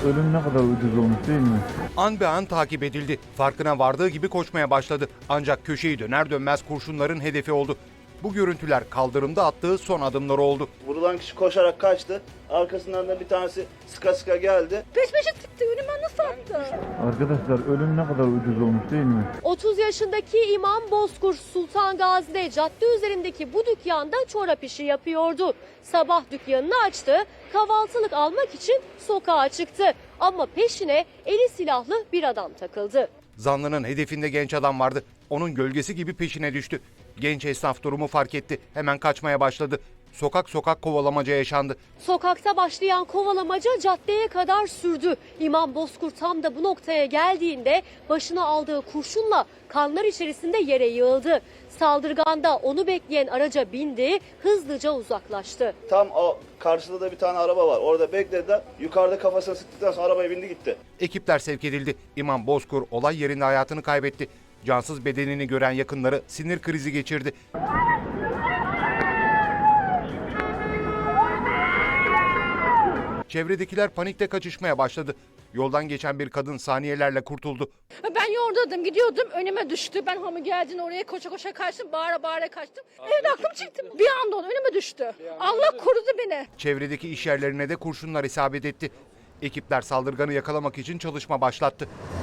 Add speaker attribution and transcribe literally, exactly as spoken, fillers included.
Speaker 1: ölüm ne kadar ucuz olmuş değil mi?
Speaker 2: An be an takip edildi. Farkına vardığı gibi koşmaya başladı. Ancak köşeyi döner dönmez kurşunların hedefi oldu. Bu görüntüler kaldırımda attığı son adımları oldu.
Speaker 3: Vurulan kişi koşarak kaçtı. Arkasından da bir tanesi sıka sıka geldi.
Speaker 4: Peş peşe sıktı. Önüme nasıl attı?
Speaker 1: Arkadaşlar ölüm ne kadar ucuz olmuş değil mi?
Speaker 5: otuz yaşındaki İmam Bozkurt Sultan Gazi'de cadde üzerindeki bu dükkanda çorap işi yapıyordu. Sabah dükkanını açtı, kahvaltılık almak için sokağa çıktı. Ama peşine eli silahlı bir adam takıldı.
Speaker 2: Zanlının hedefinde genç adam vardı. Onun gölgesi gibi peşine düştü. Genç esnaf durumu fark etti. Hemen kaçmaya başladı. Sokak sokak kovalamaca yaşandı.
Speaker 5: Sokakta başlayan kovalamaca caddeye kadar sürdü. İmam Bozkurt tam da bu noktaya geldiğinde başına aldığı kurşunla kanlar içerisinde yere yığıldı. Saldırgan da onu bekleyen araca bindi, hızlıca uzaklaştı.
Speaker 3: Tam o karşıda da bir tane araba var. Orada beklediler. Yukarıda kafasına sıktıktan sonra arabaya bindi gitti.
Speaker 2: Ekipler sevk edildi. İmam Bozkur olay yerinde hayatını kaybetti. Cansız bedenini gören yakınları sinir krizi geçirdi. Çevredekiler panikte kaçışmaya başladı. Yoldan geçen bir kadın saniyelerle kurtuldu.
Speaker 4: Ben yordaydım, gidiyordum. Önüme düştü. Ben hamı geldiğinde oraya koşa koşa kaçtım. Bağıra bağıra kaçtım. Evde aklım çıktı. Bir anda onu önüme düştü. Allah korudu beni.
Speaker 2: Çevredeki iş yerlerine de kurşunlar isabet etti. Ekipler saldırganı yakalamak için çalışma başlattı.